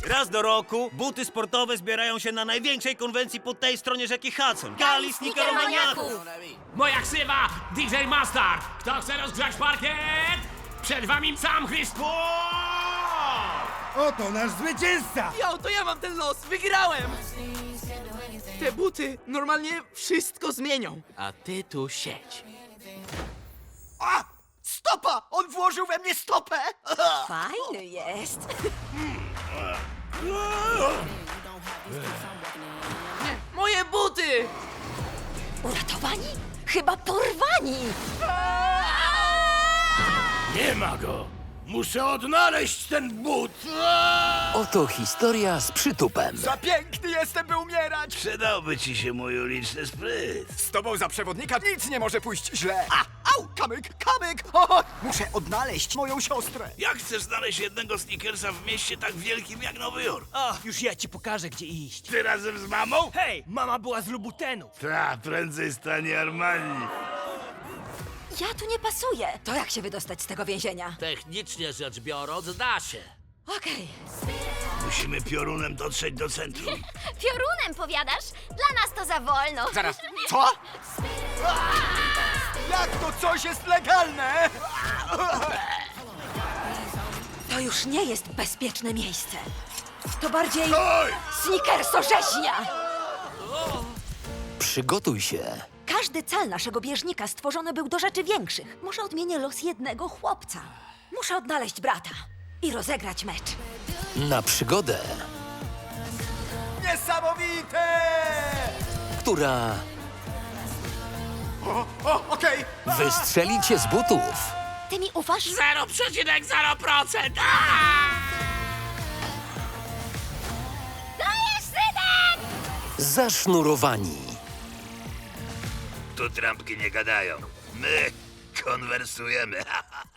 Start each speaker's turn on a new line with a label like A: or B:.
A: Raz do roku buty sportowe zbierają się na największej konwencji po tej stronie rzeki Hudson. Gali Sneakeromaniaków!
B: Moja ksywa DJ Mustard. Kto chce rozgrzać parkiet? Przed wami sam Chrystus!
C: Oto nasz zwycięzca!
D: Jo, to ja mam ten los, wygrałem! Te buty normalnie wszystko zmienią. A ty tu siedź.
E: A! Stopa! On włożył we mnie stopę!
F: Fajny jest.
D: Nie, moje buty!
F: Uratowani? Chyba porwani.
B: Nie ma go! Muszę odnaleźć ten but!
G: Oto historia z przytupem.
E: Za piękny jestem, by umierać!
H: Przydałby ci się mój uliczny spryt.
E: Z tobą za przewodnika nic nie może pójść źle! Au! Kamyk! O, muszę odnaleźć moją siostrę!
H: Jak chcesz znaleźć jednego Snickersa w mieście tak wielkim jak Nowy Jork?
A: Ach, już ja ci pokażę, gdzie iść.
H: Ty razem z mamą?
A: Hej, mama była z Lubutenów.
H: Ta, prędzej stanie Armani.
F: Ja tu nie pasuję. To jak się wydostać z tego więzienia?
B: Technicznie rzecz biorąc, da się.
F: Okej.
H: Musimy piorunem dotrzeć do centrum.
I: Piorunem, powiadasz? Dla nas to za wolno.
E: Zaraz, co? Jak to coś jest legalne?
F: To już nie jest bezpieczne miejsce. To bardziej
H: Oj!
F: snickersorzeźnia.
G: Przygotuj się.
F: Każdy cal naszego bieżnika stworzony był do rzeczy większych. Może odmienię los jednego chłopca. Muszę odnaleźć brata i rozegrać mecz.
G: Na przygodę,
E: Niesamowite!
G: która
E: Okej.
G: wystrzeli cię z butów.
F: Ty mi ufasz?
B: 0,0%!
I: Dajesz, synek!
G: Zasznurowani.
H: Tu trampki nie gadają. My konwersujemy.